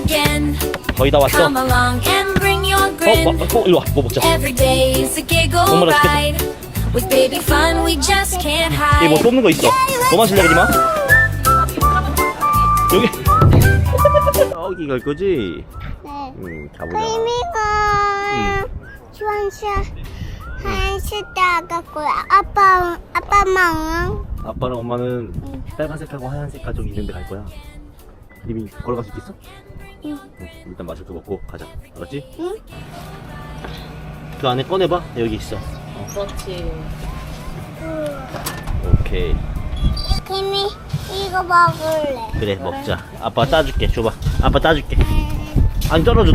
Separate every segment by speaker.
Speaker 1: 거의 다 왔어. 일로 와. 뭐 먹자. 너무 맛있겠다. 얘 뭐 뽑는 거 있어. 너만 실례하지 마. 여기. 여기 갈 거지?
Speaker 2: 네.
Speaker 1: 가보자.
Speaker 2: 크림이가 주황색 하얀색 나갔고요. 아빠만
Speaker 1: 아빠랑 엄마는 빨간색하고 하얀색 좀 있는데 갈 거야. 이미 걸어갈 수 있겠어?
Speaker 2: 응.
Speaker 1: 일단 마실 거 먹고 가자. 알았지?
Speaker 2: 응?
Speaker 1: 그 안에 꺼내봐. 여기 있어.
Speaker 3: 그렇지.
Speaker 1: 오케이.
Speaker 2: 크림이 이거 먹을래.
Speaker 1: 그래 먹자. 아빠 따줄게. 줘봐. 아빠 따줄게. 아니 떨어져.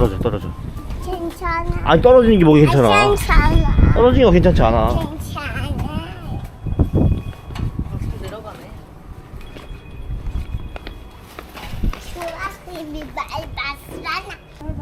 Speaker 2: 괜찮아.
Speaker 1: 아니 떨어지는 게 뭐가 괜찮아.
Speaker 2: 괜찮아.
Speaker 1: 떨어지는 거 괜찮지 않아.
Speaker 2: 괜찮아.
Speaker 3: 내려가네.
Speaker 2: 좋아, 크림이 밟았잖아.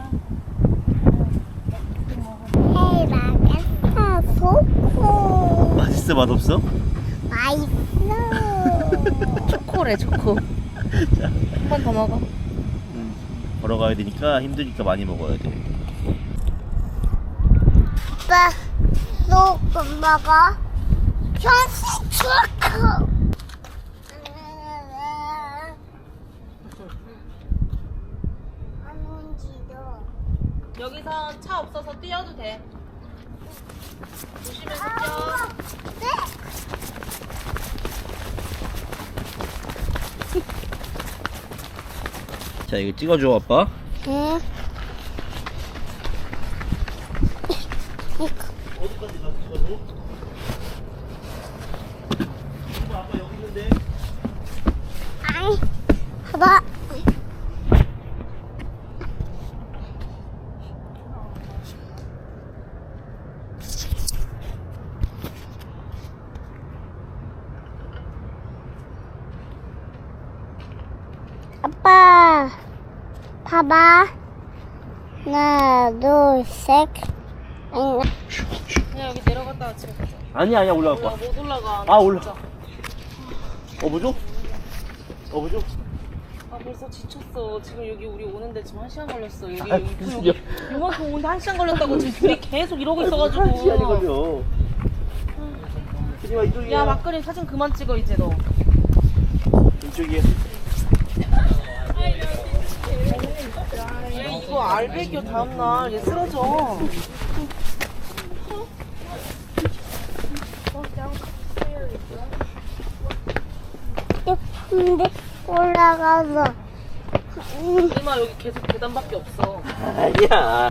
Speaker 2: 헤이, 맛있어. 좋고.
Speaker 1: 맛있어 맛없어?
Speaker 2: 맛있어.
Speaker 3: 초코래 초코. 한 번 더 먹어.
Speaker 1: 걸어가야 되니까 힘드니까 많이 먹어야 돼.
Speaker 2: 아빠, 조금 먹어. 형식 좋고. 안 온지도.
Speaker 3: 여기서 차 없어서 뛰어도 돼. 조심해서 뛰어.
Speaker 2: 네.
Speaker 1: 자 이거 찍어줘 아빠.
Speaker 2: 응.
Speaker 1: 어디까지 가 찍어줘? 아빠 여기 있는데.
Speaker 2: 아이, 봐봐. 아빠, 봐봐. 하나, 둘, 셋.
Speaker 3: 그냥 여기 내려갔다가 집에 가자.
Speaker 1: 아니야 올라갈
Speaker 3: 올라
Speaker 1: 거야.
Speaker 3: 못 올라가.
Speaker 1: 아, 올라.
Speaker 3: 진짜.
Speaker 1: 어부죠? 어부죠?
Speaker 3: 아 벌써 지쳤어. 지금 여기 우리 오는데 지금 1시간 걸렸어. 여기
Speaker 1: 아,
Speaker 3: 여기
Speaker 1: 무슨
Speaker 3: 여기
Speaker 1: 소리야.
Speaker 3: 요만큼 오는데 1시간 걸렸다고 지금 둘이 계속 이러고
Speaker 1: 시간이
Speaker 3: 있어가지고.
Speaker 1: 걸려. 그지마 이쪽이야.
Speaker 3: 야 막걸리 사진 그만 찍어 이제 너.
Speaker 1: 이쪽이야.
Speaker 3: 얘 이거 알배기요 다음날 얘 쓰러져.
Speaker 2: 근데 올라가서.
Speaker 3: 이마 여기 계속 계단밖에 없어.
Speaker 1: 아니야.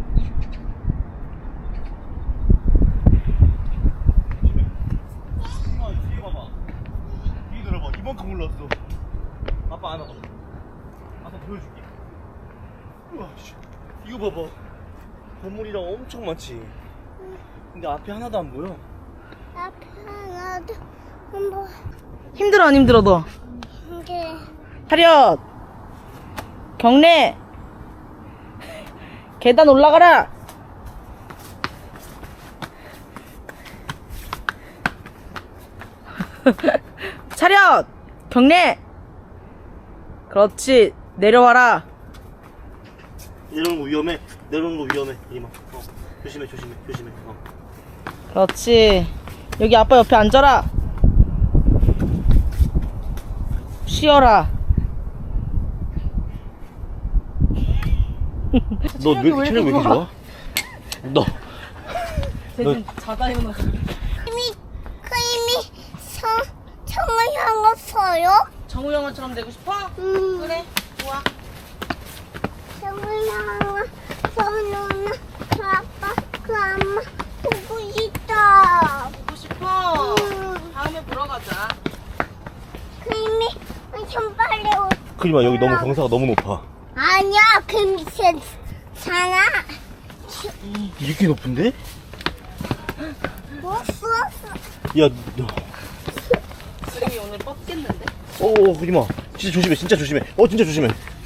Speaker 1: 뒤에 봐봐. 뒤에 들어봐. 이만큼 올랐어. 아빠 안아봐. 아빠 보여줄게. 우와, 씨. 이거 봐봐. 건물이랑 엄청 많지. 근데 앞에 하나도 안 보여.
Speaker 2: 앞에 하나도 한번.
Speaker 3: 힘들어 안 힘들어 너?
Speaker 2: 이게
Speaker 3: 차렷! 경례! 계단 올라가라! 차렷! 경례! 그렇지 내려와라.
Speaker 1: 내려오는 거 위험해. 내려오는 거 위험해. 이마. 조심해.
Speaker 3: 그렇지. 여기 아빠 옆에 앉아라. 쉬어라.
Speaker 1: 너 체력 왜 이렇게 좋아? 너.
Speaker 3: 대신 자다 일어나서.
Speaker 2: 크림이 성을 향했어요.
Speaker 3: 정우 형아처럼 되고 싶어? 그래 좋아.
Speaker 2: 성을 향해서는 그 아빠 그 엄마 보고 싶다.
Speaker 3: 보고 싶어?
Speaker 2: 음.
Speaker 3: 다음에 보러 가자.
Speaker 2: 크림이 엄청 빨리 오.
Speaker 1: 그지마 여기 너무 경사가 너무 높아.
Speaker 2: 아니야 크림이 괜찮아.
Speaker 1: 이렇게 높은데?
Speaker 2: 뭐
Speaker 1: 야, 너.
Speaker 3: 수림이 오늘 뻗겠는데?
Speaker 1: 그지마. 진짜 조심해. 진짜 조심해.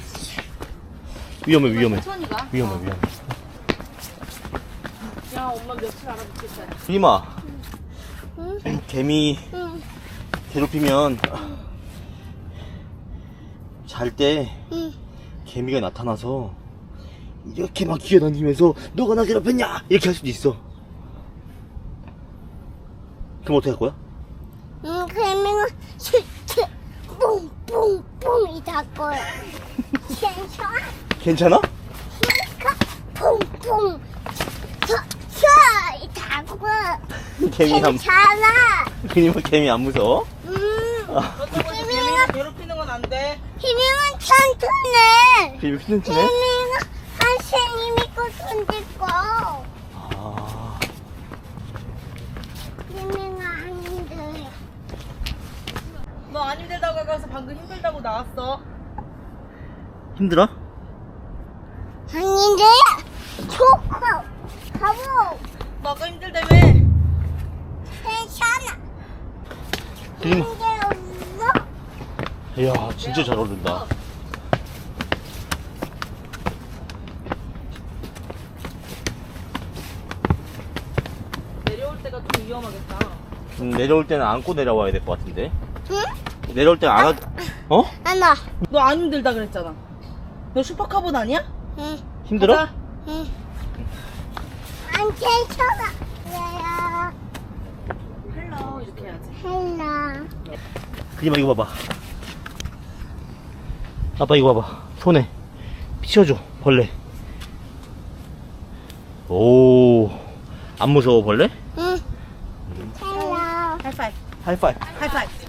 Speaker 1: 위험해.
Speaker 3: 천천히 가.
Speaker 1: 위험해.
Speaker 3: 야 엄마 며칠 알아듣겠다.
Speaker 1: 그지마.
Speaker 2: 응?
Speaker 1: 개미
Speaker 2: 응.
Speaker 1: 괴롭히면 잘 때
Speaker 2: 응.
Speaker 1: 개미가 나타나서 이렇게 막 기어다니면서 너가 나 괴롭혔냐 이렇게 할 수도 있어. 그럼 어떻게 할 거야?
Speaker 2: 개미가 슈트 뿡뿡뿡 이탈 거야. 괜찮아?
Speaker 1: 괜찮아?
Speaker 2: 뿡뿡 쳐 이탈 거야.
Speaker 1: 개미 안
Speaker 2: 괜찮아.
Speaker 1: 그니까 개미 안 무서워?
Speaker 3: 개미가 괴롭히는 건 안 돼.
Speaker 2: 개미는 천천해.
Speaker 1: 개미 휘는치네?
Speaker 2: 개미가 선생님이 거 던질 거.
Speaker 1: 아,
Speaker 2: 개미가 안 힘들어.
Speaker 3: 너 안 힘들다고 가서 방금 힘들다고 나왔어.
Speaker 1: 힘들어?
Speaker 2: 안 힘들어. 초코 가보.
Speaker 3: 너 아까 힘들다며.
Speaker 2: 괜찮아.
Speaker 1: 그림-
Speaker 2: 힘들었어?
Speaker 1: 이야 진짜 잘 어울린다.
Speaker 3: 내려올 때가 좀 위험하겠다.
Speaker 1: 내려올 때는 안고 내려와야 될 것 같은데.
Speaker 2: 응?
Speaker 1: 내려올 때는 안 어?
Speaker 2: 안 와.
Speaker 3: 너 안 힘들다 그랬잖아. 너 슈퍼카봇 아니야?
Speaker 2: 응.
Speaker 1: 힘들어?
Speaker 3: 가자.
Speaker 2: 응. 안 괜찮아. 얘야.
Speaker 3: 헬로 이렇게 해야지.
Speaker 2: 헬라.
Speaker 1: 그림아 이거 봐봐. 아빠 이거 봐봐. 손에 치워줘 벌레. 오, 안 무서워 벌레?
Speaker 2: 응. 헬라.
Speaker 3: 하이파이브.
Speaker 1: 하이파이.
Speaker 3: 하이파이브.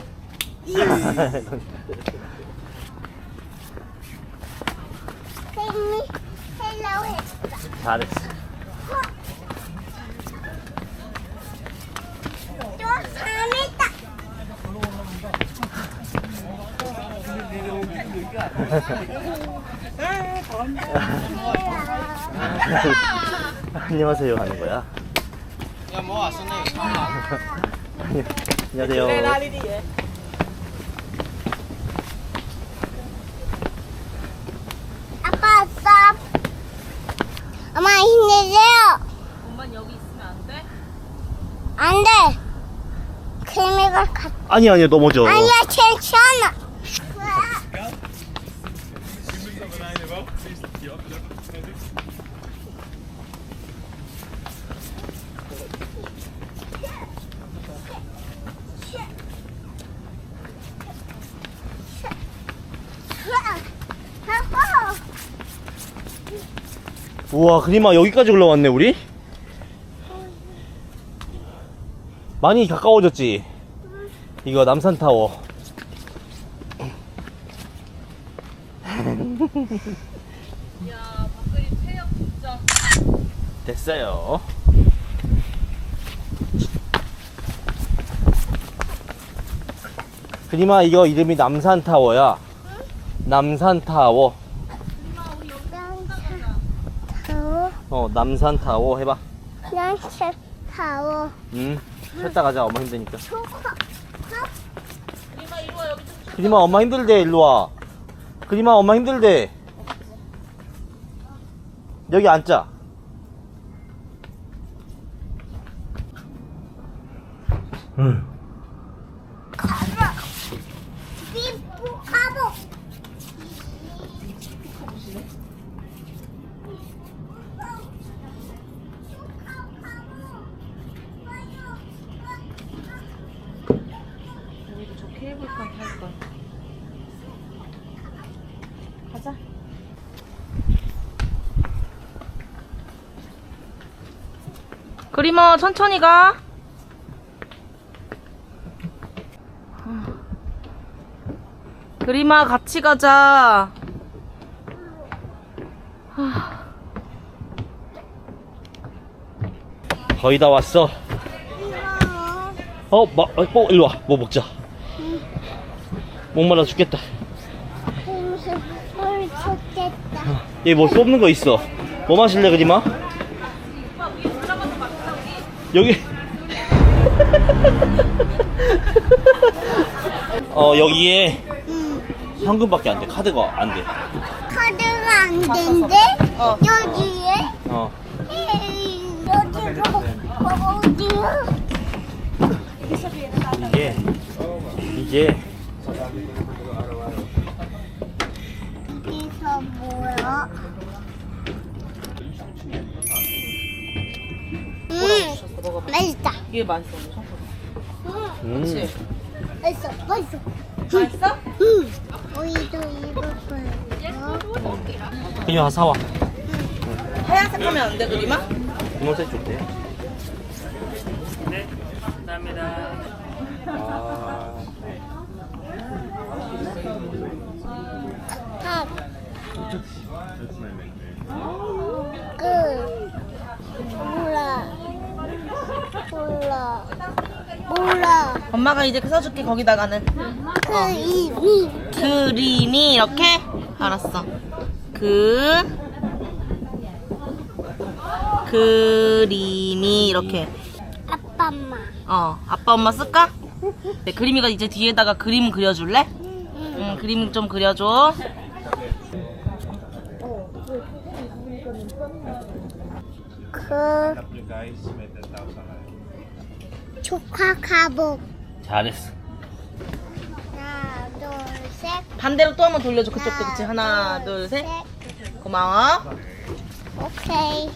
Speaker 2: 혜미 헬로 했어.
Speaker 1: 잘했어.
Speaker 2: 또 재밌다.
Speaker 1: 안녕하세요 하는 거야. 안녕하세요.
Speaker 3: 라리리에.
Speaker 2: 아빠 왔어. 엄마 힘내세요.
Speaker 3: 엄만 여기 있으면 안 돼?
Speaker 2: 안 돼. 개미가 갔.
Speaker 1: 아니야 넘어져.
Speaker 2: 아니야 괜찮아.
Speaker 1: 우와 그림아 여기까지 올라왔네 우리. 많이 가까워졌지. 이거 남산타워.
Speaker 3: 야, 밖으리 체력 진짜.
Speaker 1: 됐어요. 그림아 이거 이름이 남산타워야. 남산타워.
Speaker 2: 타워,
Speaker 1: 남산타워 해봐.
Speaker 2: 란체 타워,
Speaker 1: 쉬었다 가자 엄마 힘드니까.
Speaker 2: 초코,
Speaker 3: 이마 이리 와, 여기 좀.
Speaker 1: 그림아 엄마 힘들대 일로와. 그림아 엄마 힘들대. 여기 앉자.
Speaker 2: 가보, 비프 가보.
Speaker 3: 우리도 저 케이블카 탈 거야. 가자. 그림아 천천히 가. 그림아 같이 가자.
Speaker 1: 거의 다 왔어. 일로 와. 뭐 먹자. 목말라 죽겠다.
Speaker 2: 물 좋겠다.
Speaker 1: 여기 뭐 쏟는 거 있어. 뭐 마실래 그림아? 여기 여기에 현금밖에 안 돼. 카드가 안 돼.
Speaker 2: 카드가 안 된대?
Speaker 3: 어.
Speaker 2: 여기에?
Speaker 1: 어.
Speaker 2: 여기로 어디야?
Speaker 1: 이게
Speaker 2: 여기서 뭐야? 맛있다.
Speaker 3: 이게 맛있어. 그렇지.
Speaker 2: 맛있어. 맛있어.
Speaker 3: 맛있어?
Speaker 2: 우리도 입었어요.
Speaker 1: 그냥 와서 사와.
Speaker 3: 하얀색 하면 안 돼, 그림아?
Speaker 1: 분홍색 좋대.
Speaker 4: 네, 감사합니다.
Speaker 2: 탑. 끝. 몰라.
Speaker 3: 엄마가 이제 써줄게, 거기다가는. 그림이 이렇게? 알았어. 그림이 이렇게.
Speaker 2: 아빠 엄마.
Speaker 3: 아빠 엄마 쓸까? 네, 그림이가 이제 뒤에다가 그림 그려줄래? 응, 그림 좀 그려줘.
Speaker 2: 조카 가복.
Speaker 1: 잘했어.
Speaker 2: 하나, 둘, 셋.
Speaker 3: 반대로 또 한번 돌려줘, 그쪽도. 그치? 하나, 둘, 셋. 고마워.
Speaker 2: 오케이.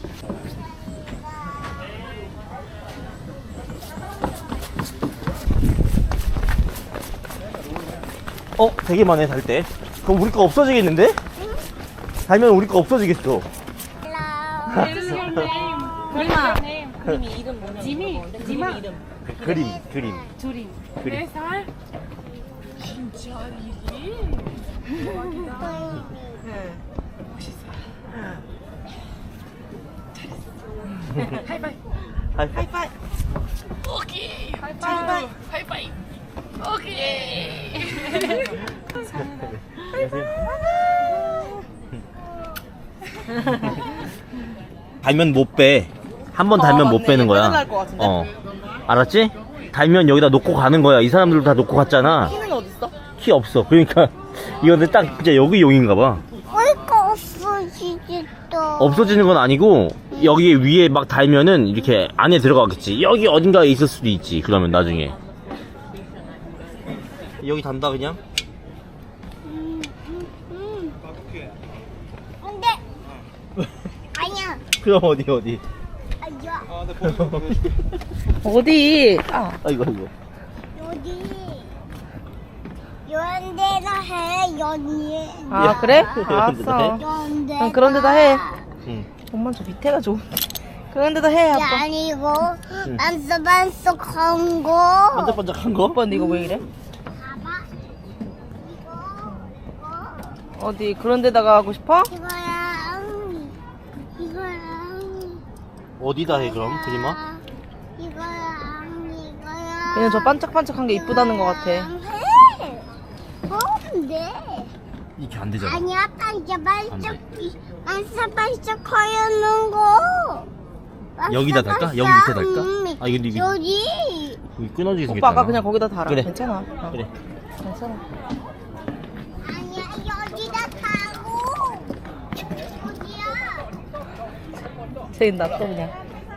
Speaker 1: 되게 많네 달 때. 그럼 우리 거 없어지겠는데? 달면 우리 거 없어지겠어.
Speaker 3: 그림아. 그림이 이름 뭐냐? 지미 이름.
Speaker 1: 그림.
Speaker 4: 둘이.
Speaker 1: 그림.
Speaker 4: 4살? 진짜 일이?
Speaker 3: 응.
Speaker 4: 하이파이브.
Speaker 1: 하이파이.
Speaker 4: 오케이.
Speaker 3: 하이파이.
Speaker 4: 하이파이브. 오케이.
Speaker 1: 달면 못 빼. 한 번 달면 못
Speaker 3: 맞네.
Speaker 1: 빼는 거야.
Speaker 3: 빼달랄 것 같은데?
Speaker 1: 알았지? 달면 여기다 놓고 가는 거야. 이 사람들도 다 놓고 갔잖아.
Speaker 3: 키는 어딨어?
Speaker 1: 키 없어. 그러니까 이거는 딱 진짜 여기 용인가 봐.
Speaker 2: 얼거 없어지겠다.
Speaker 1: 없어지는 건 아니고 여기 위에 막 달면은 이렇게 안에 들어가겠지. 여기 어딘가에 있을 수도 있지. 그러면 나중에 여기 단다 그냥.
Speaker 2: 근데 아니야.
Speaker 1: 그럼 어디?
Speaker 2: 아니야.
Speaker 3: 어디?
Speaker 1: 아이고.
Speaker 2: 여기 이런 데다 해. 연예.
Speaker 3: 그래?
Speaker 1: 해?
Speaker 3: 알았어.
Speaker 2: 이런 데.
Speaker 3: 그럼 그런 데다 해.
Speaker 1: 응.
Speaker 3: 엄마 저 밑에가 좋은데. 그런 데다 해, 아빠.
Speaker 2: 아니고 반짝반짝한 거.
Speaker 1: 반짝반짝한 거?
Speaker 3: 아빠 근데 이거 왜 이래?
Speaker 2: 봐봐. 이거.
Speaker 3: 어디 그런 데다가 하고 싶어?
Speaker 2: 이거랑
Speaker 1: 어디다 해 그럼 그림아?
Speaker 2: 이거랑
Speaker 3: 그냥 저 반짝반짝한 게 이쁘다는 것 같아.
Speaker 2: 해. 뭔데?
Speaker 1: 이렇게 안 되잖아.
Speaker 2: 아니야, 반짝
Speaker 1: 안 돼.
Speaker 2: 반짝반짝거리는 거.
Speaker 1: 여기다 달까? 여기 밑에 달까? 아, 이거 여기.
Speaker 2: 여기.
Speaker 1: 여기 끊어지게 생겼잖아.
Speaker 3: 오빠 아까 그냥 거기다 달아.
Speaker 1: 그래.
Speaker 3: 괜찮아.
Speaker 1: 그래.
Speaker 3: 괜찮아.
Speaker 2: 아니야, 여기다 타고. 여기야.
Speaker 3: 쟤 놔둬 그냥.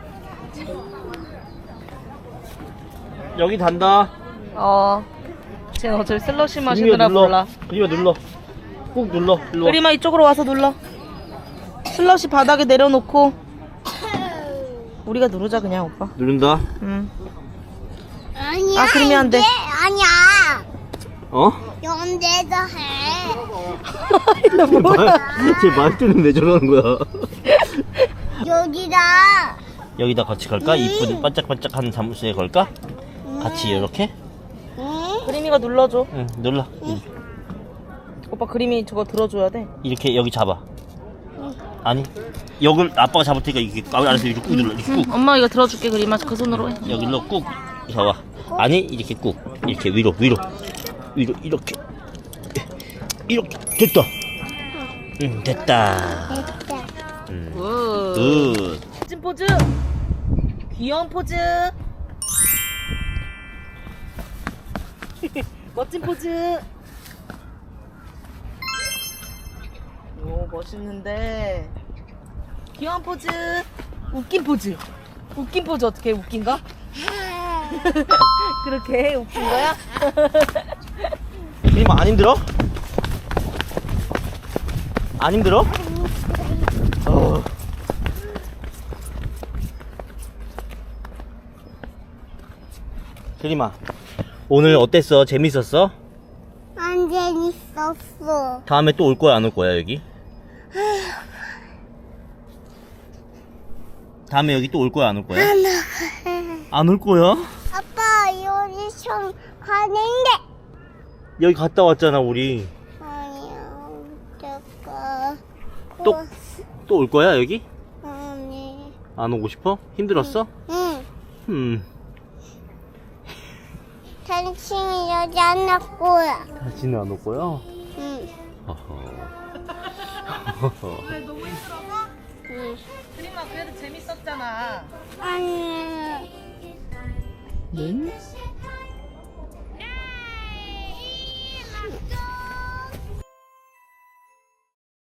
Speaker 1: 여기 단다.
Speaker 3: 쟤는 어차피 슬러시 마시느라 몰라.
Speaker 1: 그림아 눌러. 꾹 눌러. 일로 와.
Speaker 3: 그림아 이쪽으로 와서 눌러. 슬러시 바닥에 내려놓고 우리가 누르자 그냥 오빠.
Speaker 1: 누른다.
Speaker 3: 응.
Speaker 2: 아니야.
Speaker 3: 그러면 안 돼.
Speaker 2: 이게 아니야.
Speaker 1: 어?
Speaker 2: 연대도 해.
Speaker 3: 나 뭐야?
Speaker 1: 쟤 말투는 왜 저러는 거야?
Speaker 2: 여기다.
Speaker 1: 여기다 같이 걸까? 이쁜 반짝반짝한 잠수에 걸까? 같이 이렇게?
Speaker 2: 응?
Speaker 3: 그림이가 눌러줘.
Speaker 1: 응, 눌러.
Speaker 3: 오빠 그림이 저거 들어줘야 돼.
Speaker 1: 이렇게 여기 잡아. 아니, 여길 아빠가 잡을 테니까 이렇게 알아서 이렇게 꾹 눌러. 이렇게 꾹.
Speaker 3: 엄마 이거 들어줄게 그림아 그 손으로 해.
Speaker 1: 여기로 꾹 잡아. 아니, 이렇게 꾹. 이렇게 위로 이렇게. 됐다. 응, 됐다.
Speaker 2: 됐다.
Speaker 3: 굿.
Speaker 1: 굿.
Speaker 3: 멋진 포즈. 귀여운 포즈. 멋진 포즈. 오 멋있는데. 귀여운 포즈. 웃긴 포즈. 웃긴 포즈 어떻게 해? 웃긴가? 그렇게 해? 웃긴 거야?
Speaker 1: 그림 안 힘들어? 안 힘들어? 그림아, 오늘 어땠어? 재밌었어?
Speaker 2: 안 재밌었어.
Speaker 1: 다음에 또 올 거야, 안 올 거야, 여기? 다음에 여기 또 올 거야, 안 올 거야? 안 올 거야?
Speaker 2: 아빠 여기 좀 가는데.
Speaker 1: 여기 갔다 왔잖아, 우리.
Speaker 2: 아니야. 잠깐.
Speaker 1: 또 올 거야, 여기?
Speaker 2: 아니.
Speaker 1: 안 오고 싶어? 힘들었어?
Speaker 2: 응. 당신이 여기 안 올 거야.
Speaker 1: 다시는 안 올 거야?
Speaker 2: 응.
Speaker 3: 왜 너무 힘들어서?
Speaker 2: 응.
Speaker 3: 그림아 그래도 재밌었잖아.
Speaker 2: 아니.
Speaker 1: 네?